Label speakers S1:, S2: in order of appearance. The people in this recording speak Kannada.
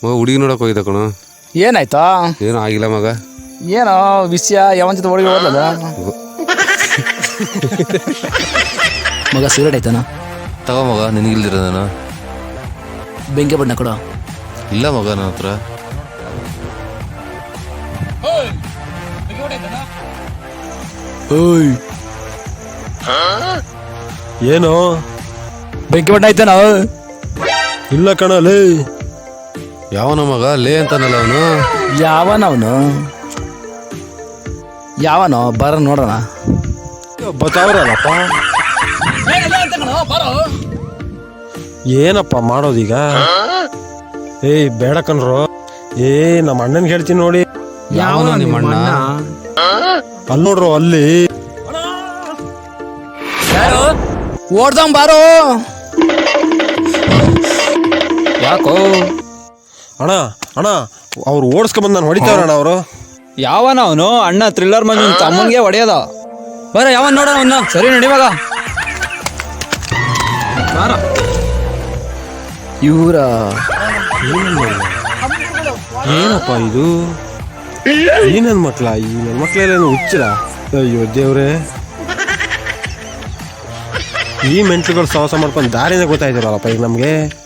S1: ಹುಡುಗಿ ನೋಡಕ್ ಹೋಗಿದ್ದ ಕಣ.
S2: ಏನಾಯ್ತಾ?
S1: ಏನೂ ಆಗಿಲ್ಲ ಮಗ.
S2: ಏನೋ ವಿಷಯ ಯಾವನ್ ಜೊತೆ ಒಳಗೆ ಹೋದದ ಮಗ. ಸಿಗರೇಟ್ ಆಯ್ತಾನ?
S1: ತಗೋ ಮಗ, ನಿನಗಿಲ್ದಿರೋದನ.
S2: ಬೆಂಕಿ ಬಣ್ಣ ಕೊಡ.
S1: ಇಲ್ಲ ಮಗ ನನ್ನ ಹತ್ರ.
S3: ಏನು
S2: ಬೆಂಕಿ ಬಣ್ಣ ಆಯ್ತಾನ?
S3: ಇಲ್ಲ ಕಣಲೇ.
S1: ಯಾವನ ಮಗ ಲೇ ಅಂತಾನಲ್ಲ ಅವನು.
S2: ಯಾವನವನು? ಯಾವನೋ ಬರ ನೋಡೋಣ.
S3: ಬತ್ತಾವ್ರಲ್ಲಪ್ಪ. ಏನಪ್ಪ ಮಾಡೋದೀಗ? ಏಯ್ ಬೇಡ ಕಣ್ರು. ನಮ್ಮ ಅಣ್ಣನ್ ಹೇಳ್ತೀನಿ ನೋಡಿ.
S1: ಯಾವನ ನಿಮ್ಮ ಅಣ್ಣ?
S3: ಅಲ್ಲಿ ನೋಡ್ರು, ಅಲ್ಲಿ
S2: ಓಡ್ದಂ ಬಾರೋ. ಯಾಕೋ
S3: ಅಣ್ಣ ಅಣ್ಣ ಅವ್ರು ಓಡಿಸ್ಕೊಂಬಂದು ನಾನು ಹೊಡಿತಾವ್ರಣ್ಣ ಅವರು.
S4: ಯಾವನ ಅವನು? ಅಣ್ಣ ಥ್ರಿಲ್ಲರ್ ಮಂದಿ ತಮ್ಮನ್ಗೆ ಹೊಡೆಯೋದ. ಬರ ಯಾವನ್ ನೋಡೋಣ ಅವನ್ನ. ಸರಿ ನಡಿವಾಗ.
S2: ಇವರ
S3: ಏನಪ್ಪ ಇದು? ಈ ನನ್ನ ಮಕ್ಳ, ಈ ನನ್ನ ಮಕ್ಳೆಲ್ಲ ಹುಚ್ಚಿರ. ಅಯ್ಯೋ ದೇವ್ರೆ, ಈ ಮೆಂಟ್ಲುಗಳು ಸಹವಾಸ ಮಾಡ್ಕೊಂಡು ದಾರಿನೇ ಗೊತ್ತಾಯ್ತಿರಲ್ಲಪ್ಪ ಈಗ ನಮಗೆ.